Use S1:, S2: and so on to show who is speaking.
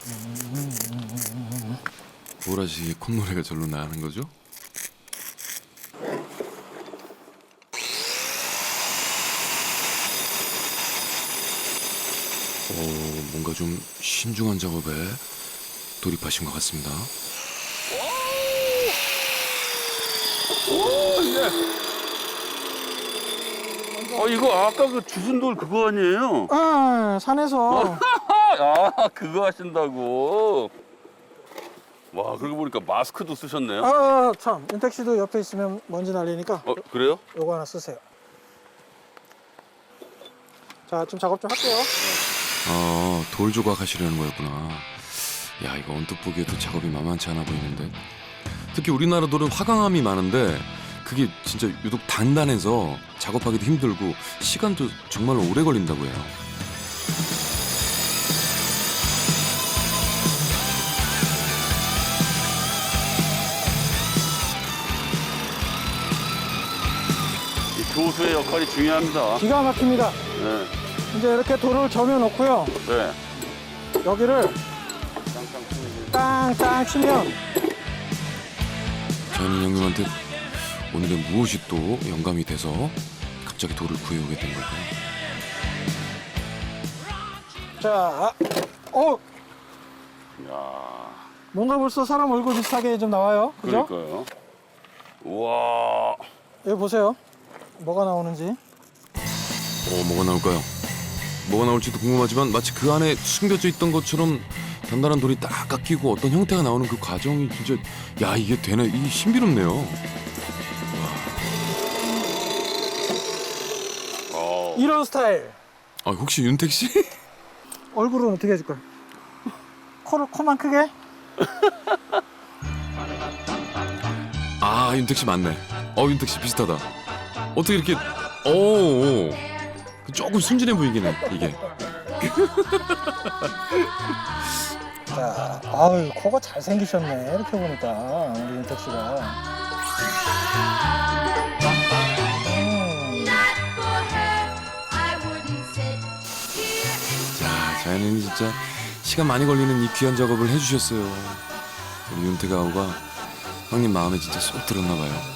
S1: 보라씨 콧노래가 절로 나는 거죠? 뭔가 좀 신중한 작업에 돌입하신 것 같습니다.
S2: 오, 예. 이거 아까 그 주순돌 그거 아니에요?
S3: 아, 산에서.
S2: 아, 그거 하신다고. 와, 그러고 보니까 마스크도 쓰셨네요.
S3: 아, 참. 윤택 씨도 옆에 있으면 먼지 날리니까
S2: 그래요?
S3: 요거 하나 쓰세요. 자, 좀 작업 좀 할게요.
S1: 돌 조각하시려는 거였구나. 야, 이거 언뜻 보기에도 작업이 만만치 않아 보이는데. 특히 우리나라 돌은 화강암이 많은데 그게 진짜 유독 단단해서 작업하기도 힘들고 시간도 정말 오래 걸린다고 해요.
S2: 이 교수의 역할이 중요합니다.
S3: 기가 막힙니다.
S2: 네.
S3: 이제 이렇게 돌을 저며 놓고요.
S2: 네.
S3: 여기를 땅땅 치면
S1: 저는 형님한테 오늘의 무엇이 또 영감이 돼서 갑자기 돌을 구해오게 된 걸까요?
S3: 자,
S2: 야,
S3: 뭔가 벌써 사람 얼굴 비슷하게 좀 나와요. 그죠?
S2: 그러니까요. 우와.
S3: 여기 보세요. 뭐가 나오는지.
S1: 뭐가 나올까요? 뭐가 나올지도 궁금하지만 마치 그 안에 숨겨져 있던 것처럼 단단한 돌이 딱 깎이고 어떤 형태가 나오는 그 과정이 진짜 야 이게 되네 이 신비롭네요.
S3: 이런 스타일.
S1: 혹시 윤택 씨?
S3: 얼굴은 어떻게 해줄 거야? 코만 크게?
S1: 윤택 씨 맞네. 윤택 씨 비슷하다. 어떻게 이렇게 오 조금 순진해 보이긴 해 이게.
S3: 자, 아유, 코가 잘생기셨네. 이렇게 보니까 우리 윤택 씨가.
S1: 자, 자연인이 진짜 시간 많이 걸리는 이 귀한 작업을 해주셨어요. 우리 윤택 아우가 형님 마음에 진짜 쏙 들었나 봐요.